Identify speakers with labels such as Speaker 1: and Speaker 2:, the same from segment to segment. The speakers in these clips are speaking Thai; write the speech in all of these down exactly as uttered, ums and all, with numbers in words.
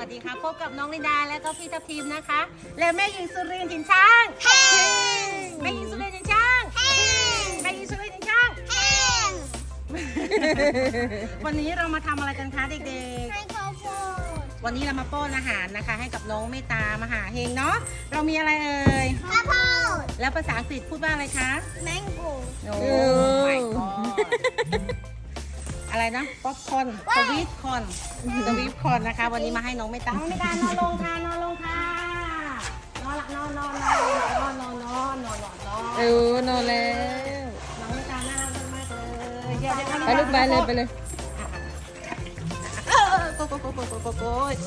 Speaker 1: วัสดีค่ะพบกับน้องลินดาและก็พี่ทัพทีมนะคะ และแม่หญิงสุรินทร์ถิ่นช้างแม่หญิงสุรินทร์ถิ่นช้างแม่หญิงสุรินทร์ถิ่นช้างวันนี้เรามาทำอะไรกันคะเด็ก
Speaker 2: ให้ข้าวโพด
Speaker 1: ๆวันนี้เรามาป้อนอาหารนะคะ ให้กับน้องเมตตามหาเฮงเนาะเรามีอะไรเอ่ย
Speaker 2: ข้าวโพด
Speaker 1: แล้วภาษาอังกฤษพูดว่าอะไรคะ
Speaker 2: แมงโก้
Speaker 1: โอ้ my god อะไรนะป๊อปคอร์นสวีทคอร์นสวีทคอร์นนะคะ วันนี้มาให้น้องเมตตาน้องเมตตานอนลงค่ะนอนลงค่ะนอนหลับนอนนอนนอนนอนนอนนอนนอนนอนนอน
Speaker 3: เออนอนแล้ว
Speaker 1: น้องเมตตาน่ารักมากเลยเดี๋ยวเดี๋ยว
Speaker 3: ไปลูกไปเลยไปเลย
Speaker 1: เออโกโกโกโกโกโกโก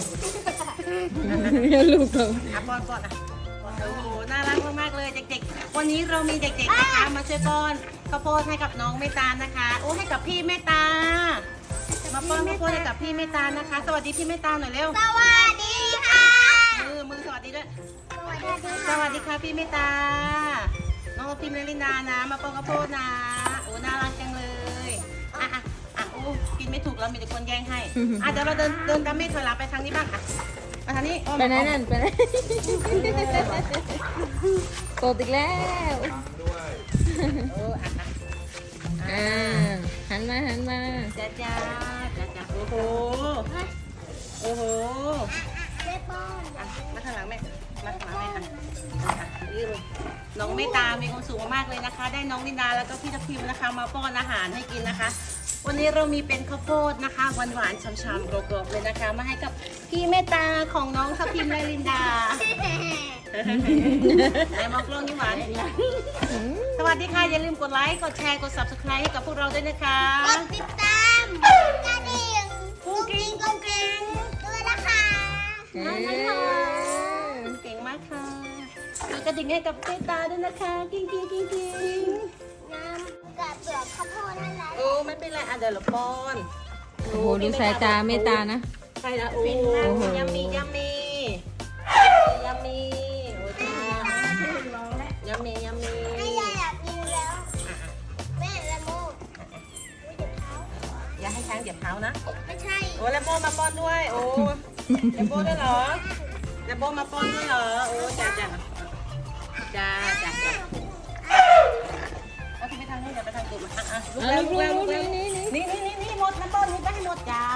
Speaker 3: อย่าลูกเรา
Speaker 1: อ่ะป้อนป้อนอ่ะโอ้โหน่ารักมากๆเลยเด็กๆวันนี้เรามีเด็กๆนะคะมาช่วยป้อนข้าวโพดให้กับน้องเมตตานะคะโอ้ให้กับพี่เมตตามาป้อนข้าวโพดให้กับพี่เมตตานะคะ สวัสดีพี่เมตตาหน่อยเร็ว
Speaker 2: สวัสดีค่ะ
Speaker 1: มือมือสวัสดีด้วย
Speaker 2: สวัสดี
Speaker 1: ส
Speaker 2: ค่ะ
Speaker 1: วัสดีค่ะพี่เมตตา น้องพิมพ์และลินดานะ มาป้อนข้าวโพดนะ โอ้น่ารักจังเลยอ่ะอ่ะอ่ะโอ้กินไม่ถูกแล้วมีแต่คนแย่งให้อ่ะเดี๋ยวเราเดินเดินตามเมฆถอยหลังไปทางนี้บ้างอ่ะมาทางนี้อ้อม
Speaker 3: ไปไหนนั่นไปไหนโตดอีกแล้ว
Speaker 1: เอออ่ะอ่ะ
Speaker 3: อ่าหันมาหันมา
Speaker 1: จ้าจ้าจ้าจ้าโอ้โหโอ้โห
Speaker 2: เจ๊ป้อน
Speaker 1: อ่ะมาข้างหลังแม่มาข้างหลังแม่ค่ะอ่ะนี่เลยน้องเมตตามีความสุขมากๆเลยนะคะ ได้น้องลินดาแล้วก็พี่ทัพทิมนะคะ มาป้อนอาหารให้กินนะคะ วันนี้เรามีเป็นข้าวโพดนะคะหวานๆช่ำๆกรอบๆเลยนะคะ มาให้กับพี่เมตตาของน้องทัพทิมและลินดาไหนมองกล้องนี่หวานสวัสดีค่ะอย่าลืมกดไลค์กดแชร์กด ซับสไครบ์ ให้กับพวกเราด้วยนะคะ
Speaker 2: กดติดตามกระดิ่ง
Speaker 1: กุ้งกิ้งกุ้งกิ้ง
Speaker 2: ด้วยนะคะ
Speaker 3: เอ
Speaker 1: เก่งมากค่ะกดกระดิ่งให้กับเมตตาด้วยนะคะกิ้งกิ้งกิ้งกิ้ง
Speaker 2: น้ำกับเปลือกข้าวโพดนั่นแหละ
Speaker 1: โอ้ไม่เป็นไรอ่ะเดี๋ยวเราป้อน
Speaker 3: โอ้โหดูสายตาเมตตานะ
Speaker 1: ใช่นะโอ้โหยัมมี่ยัมมี่ยัมมี่โอ้จ้ายัมมี่ยัมมี่
Speaker 2: ให้ยายอยากกินแล้วแม่ละโมกอุ๊ยเจ็บเท้า
Speaker 1: อย่าให้ช้างเหยียบเท้านะ
Speaker 2: ไม่ใช่
Speaker 1: โอ้แล้วโบมาป้อนด้วย โอ้แล้วโบด้วยเหรอแล้วโบมาป้อนด้วยเหรอ โอ้จ้าจ้าจ้าจ้าจ้าเอาที่ไปทางนี้เดี๋ยวไปทางตูดมาอ่ะอ่ะลุกแล้วลุกแล้วลุกแล้วนี่นี่นี่นี่หมดนะป้อนนี่ไปให้หมดจ้า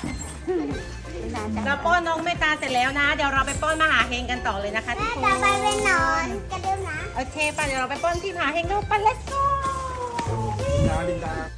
Speaker 1: เราป้อนน้องเมตตาเสร็จแล้วนะ เดี๋ยวเราไปป้อนมหาเฮงกันต่อเลยนะคะทุ
Speaker 2: แม่
Speaker 1: กค
Speaker 2: จะ
Speaker 1: น
Speaker 2: ไปเป็นหนอนกันเร็วนะ
Speaker 1: โอเคป่ะเดี๋ยวเราไปป้อนที่มหาเฮงดูไป let's go
Speaker 4: ดาลินดา